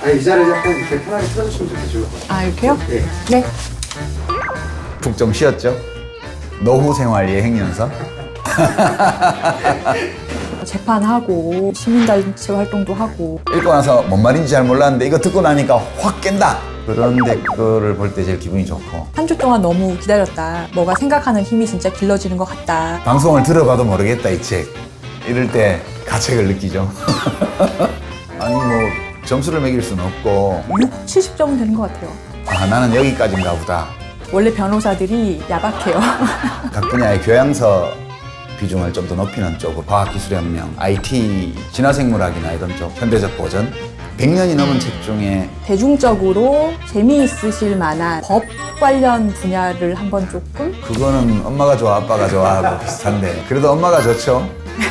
의자를 약간 이렇게 편하게 틀어주시면 좋겠죠. 아, 이렇게요? 네. 네. 푹 좀 쉬었죠? 노후 생활 예행 연습? 재판하고 시민단체 활동도 하고 읽고 나서 뭔 말인지 잘 몰랐는데 이거 듣고 나니까 확 깬다! 그런 댓글을 볼 때 제일 기분이 좋고 한 주 동안 너무 기다렸다. 뭐가 생각하는 힘이 진짜 길러지는 것 같다. 방송을 들어봐도 모르겠다 이 책. 이럴 때 가책을 느끼죠. 아니 뭐 점수를 매길 수는 없고 6, 70점은 되는 것 같아요. 아 나는 여기까지인가 보다. 원래 변호사들이 야박해요. 각 분야의 교양서 비중을 좀 더 높이는 쪽으로 과학기술혁명, IT, 진화생물학이나 이런 쪽 현대적 고전 100년이 넘은 책 중에 대중적으로 재미있으실 만한 법 관련 분야를 한번 조금 그거는 엄마가 좋아 아빠가 좋아하고 비슷한데 그래도 엄마가 좋죠.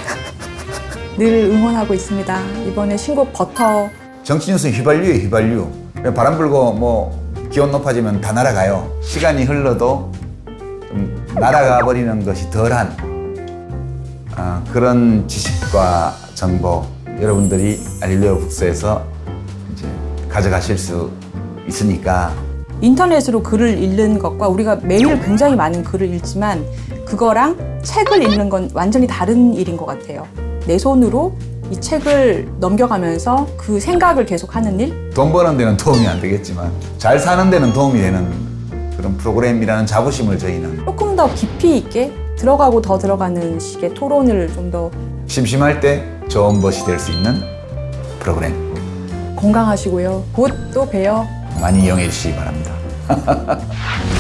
늘 응원하고 있습니다. 이번에 신곡 버터 정치뉴스 휘발유에 휘발유. 바람 불고 뭐 기온 높아지면 다 날아가요. 시간이 흘러도 좀 날아가 버리는 것이 덜한 그런 지식과 정보 여러분들이 알릴레오 북스에서 이제 가져가실 수 있으니까 인터넷으로 글을 읽는 것과 우리가 매일 굉장히 많은 글을 읽지만 그거랑 책을 읽는 건 완전히 다른 일인 것 같아요. 내 손으로 이 책을 넘겨가면서 그 생각을 계속하는 일? 돈 버는 데는 도움이 안 되겠지만 잘 사는 데는 도움이 되는 그런 프로그램이라는 자부심을 저희는 조금 더 깊이 있게 들어가고 더 들어가는 식의 토론을 좀 더 심심할 때 좋은 것이 될 수 있는 프로그램 건강하시고요. 곧 또 봬요. 많이 이용해 주시기 바랍니다.